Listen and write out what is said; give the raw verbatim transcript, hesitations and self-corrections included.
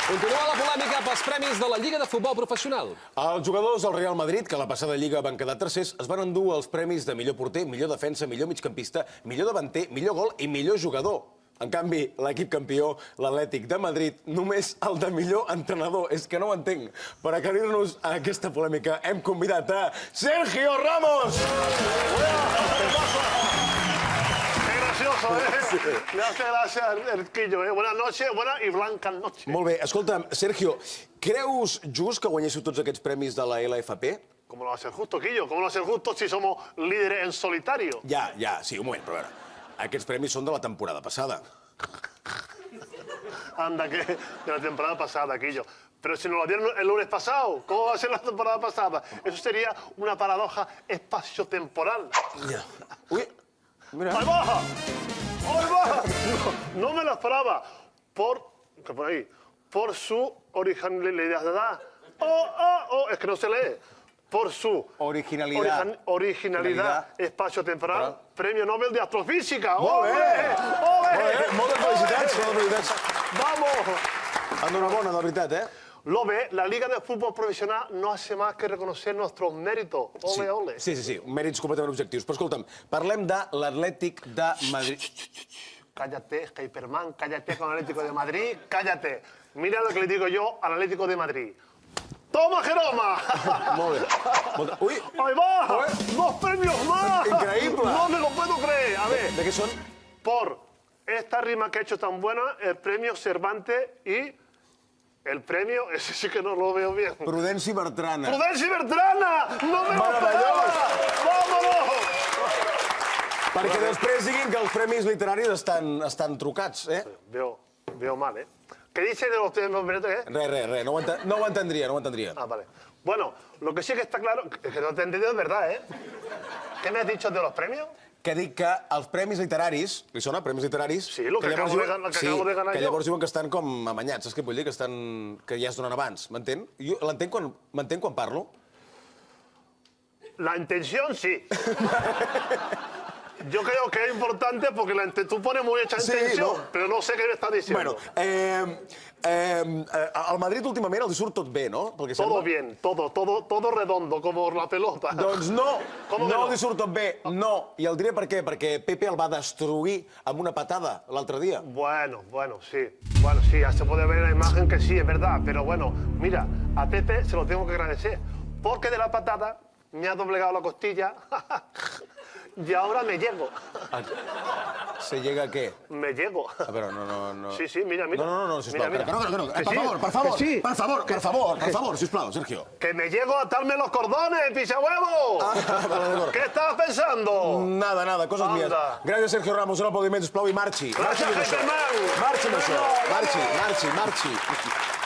Continua la polèmica pels premis de la Lliga de Futbol Professional. Els jugadors del Real Madrid, que a la passada Lliga van quedar tercers, es van endur els premis de millor porter, millor defensa, millor migcampista, millor davanter, millor gol i millor jugador. En canvi, l'equip campió, l'Atlètic de Madrid, només el de millor entrenador. És que no ho entenc. Per aclarir-nos a aquesta polèmica, hem convidat a Sergio Ramos! Gracioso, ¿eh? Me hace gracia el quillo, ¿eh? Buenas noches, buenas y blancas noches. Molt bé, escolta'm, Sergio, creus just que guanyéssiu tots aquests premis de la L F P? ¿Cómo lo va a ser justo, Quillo? ¿Cómo lo va a ser justo si somos líderes en solitario? Ja, ja, sí, un moment, però a veure. Aquests premis són de la temporada passada. Anda, que de la temporada pasada, Quillo. Pero si nos lo dieron el lunes pasado, ¿cómo va a ser la temporada pasada? Eso sería una paradoja espaciotemporal. Ja. Ui, mira. ¡Ahí baja! ¡Ahí baja! No, no me lo esperaba. Por, ¿qué por ahí? Por su originalidad. Oh, oh, oh, es que no se lee. Por su Originalidad. origen- originalidad espacio-temporal, premio Nobel de Astrofísica. Molt bé! ¡Ole! Molt ¡Ole! bé, moltes felicitats, moltes felicitats. ¡Vamos! Enhorabona, de veritat, eh? Lo ve, la Liga de Fútbol Profesional no hace más que reconocer nuestros méritos. Ole, ole. Sí, sí, sí, mèrits completament objectius. Però escolta'm, parlem de l'Atlètic de Madrid. Cállate, Hyperman, cállate con el Atlético de Madrid, cállate. Mira lo que le digo yo al Atlético de Madrid. ¡Toma, Jeroma! Molt bé. Molt bé. Ui, ¡Ahí va! ¡Dos premios más! Increíble. No me lo puedo creer. A ver, de què són? por esta rima que he hecho tan buena, el premio Cervantes y el premio, ese sí que no lo veo bien. Prudenci Bertrana. ¡Prudenci Bertrana! ¡No me lo Meravellós. esperaba! ¡Vámonos! Perquè després diguin que els premis literaris estan, estan trucats, eh? Veo, veo mal, ¿eh? ¿Qué dice de los premios? ¿Eh? Res, res, res, no ho, enten no ho entendria, no ho entendria. Ah, vale. Bueno, lo que sí que está claro, es que no te he entendido es verdad, ¿eh? ¿Qué me has dicho de los premios? Que dic que els premis literaris, li sona, premis literaris? Sí, lo que acabo de diuen- gan- que sí, acabo de ganar que jo. llavors diuen que estan com amanyats, saps què vull dir? Que, estan, que ja es donen abans, m'entén? Jo l'entenc quan, m'entenc quan parlo? La intención, sí. Yo creo que es importante porque la inte- tú pones muy hecha Sí, intención, no. pero no sé qué me estás diciendo. Bueno, eh, eh, eh, al Madrid últimament els surt tot bé, no? Pel que Todo sembla. bien, todo, todo, todo redondo, como la pelota. Doncs no, Com que no no? li surt tot bé, no. I el diré per què, perquè Pepe el va destruir amb una patada l'altre dia. Bueno, bueno, sí. Bueno, sí, ya se puede ver en la imagen que sí, es verdad. Pero bueno, mira, a Pepe se lo tengo que agradecer. Porque de la patada me ha doblegado la costilla y ahora me llego. Se llega a què? Me llego. A veure, no, no, no... Sí, sí, mira, mira. No, no, no, no, sisplau. Mira, mira. Que no, que no, que no. Que Per sí, favor, per que favor, sí. per favor, per favor, per favor, sisplau, Sergio. Que me llego a atarme los cordones, pisahuevo. Ah, vale, d'acord. ¿Qué estabas pensando? Nada, nada, coses Anda. mías. Gràcies, Sergio Ramos, un aplaudiment, sisplau, i marxi. Gràcies, Marxi amb això. Germán. Marxi amb això. Bueno, Marxi, vamos. marxi, marxi.